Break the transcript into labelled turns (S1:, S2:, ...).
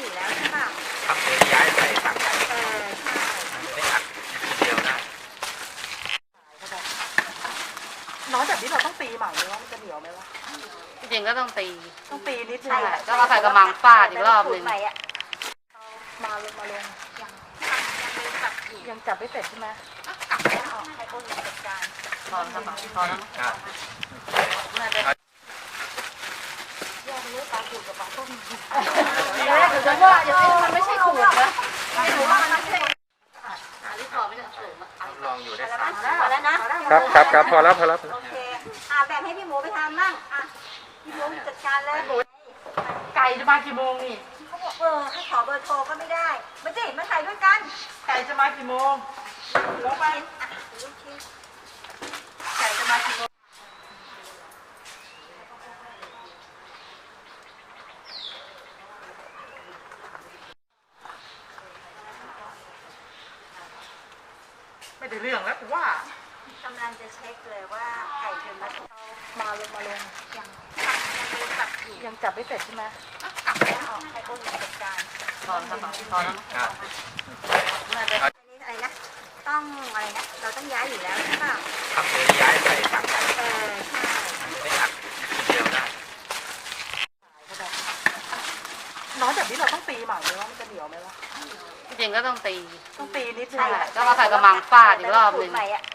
S1: อยู่แล้วใช่ป่ะ
S2: ครับเดี๋ยวย้ายใส่ถังใหญ่
S1: ใช่
S2: มันจะได้อัดทีเดียวได้
S3: น้อยแบบนี้เราต้องตีใหม่ไหมว่ามันจะเหนียวไหมวะ
S4: จริงๆก็ต้องตี
S3: นิดนึง
S4: ใช่ก็มาใส่กระมังฟาดอีกรอบหนึ่ง
S3: มาลงยังจับไม่เสร็จใช่ไหมให้อ้นจัดการ
S4: พอแล้วมั้งพอแล้วมั้ง
S2: ครับ
S3: แยกเนื้อปลาขูดกับปลาต้ม
S4: เดี๋ยวจะว่าอย่างนี้มันไม่ใช่ขูดนะไม่รู้ว่ามันไม่ใช่อันนี้พอไม่ได้สูง
S2: ลองอยู่ได้สาม
S1: พอแล้วนะครับ
S2: พอแล้ว
S1: โอเคแบ่งให้พี่หมูไปทำบ้างพี่หมูจัดการเลย
S4: ไก่จะมากี่โมงนี่
S1: เขาบอกให้ขอเบอร์โทรก็ไม่ได้มาสิมาถ่ายด้วยกัน
S3: ไก่จะมากี่โมงลงไปไก่จะมากี่โมงไม่ได้เรื่องแล้วกูว่าก
S1: ำลังจะเช็คเลยว่าไก่ถึงมา
S3: มาลงยังจับไม่เสร็จใช่ไหมให้อ้นจัดการ
S4: พอแล้วมั้งพอแล้วมั้ง
S2: ครับ
S1: อันนี้อะไรนะต้องอะไรนะเราต้องย้ายอยู่แล้วใช่ป่ะ
S2: ครับเดี๋ยวย้ายใส่ถังใหญ่
S1: ใช่
S2: มันจะได้อัดทีเดียวได้
S3: น้อยแบบนี้เราต้องตีใหม่ไหมว่ามันจะเหนียวไหมวะ
S4: จริงๆก็ต้องตี
S3: นิดนึง
S4: ใช่ก็มาใส่กระมังฟาดอีกรอบหนึ่ง
S1: ใหม่